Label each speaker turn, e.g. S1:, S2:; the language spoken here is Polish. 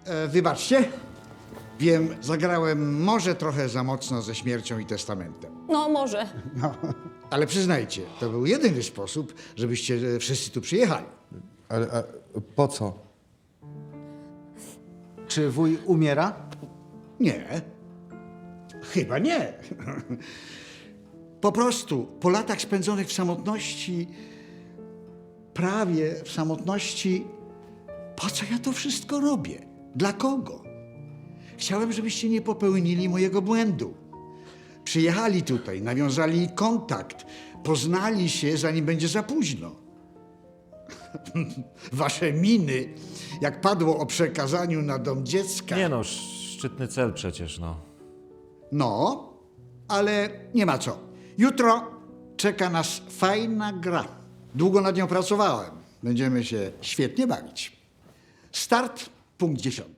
S1: Wybaczcie. Wiem, zagrałem może trochę za mocno ze śmiercią i testamentem.
S2: No, może.
S1: No, ale przyznajcie, to był jedyny sposób, żebyście wszyscy tu przyjechali.
S3: Ale po co?
S4: Czy wuj umiera?
S1: Nie. Chyba nie. Po prostu po latach spędzonych w samotności, prawie w samotności, po co ja to wszystko robię? Dla kogo? Chciałem, żebyście nie popełnili mojego błędu. Przyjechali tutaj, nawiązali kontakt, poznali się, zanim będzie za późno. Wasze miny, jak padło o przekazaniu na dom dziecka.
S5: Nie no, szczytny cel przecież, no.
S1: No, ale nie ma co. Jutro czeka nas fajna gra. Długo nad nią pracowałem. Będziemy się świetnie bawić. Start, punkt 10.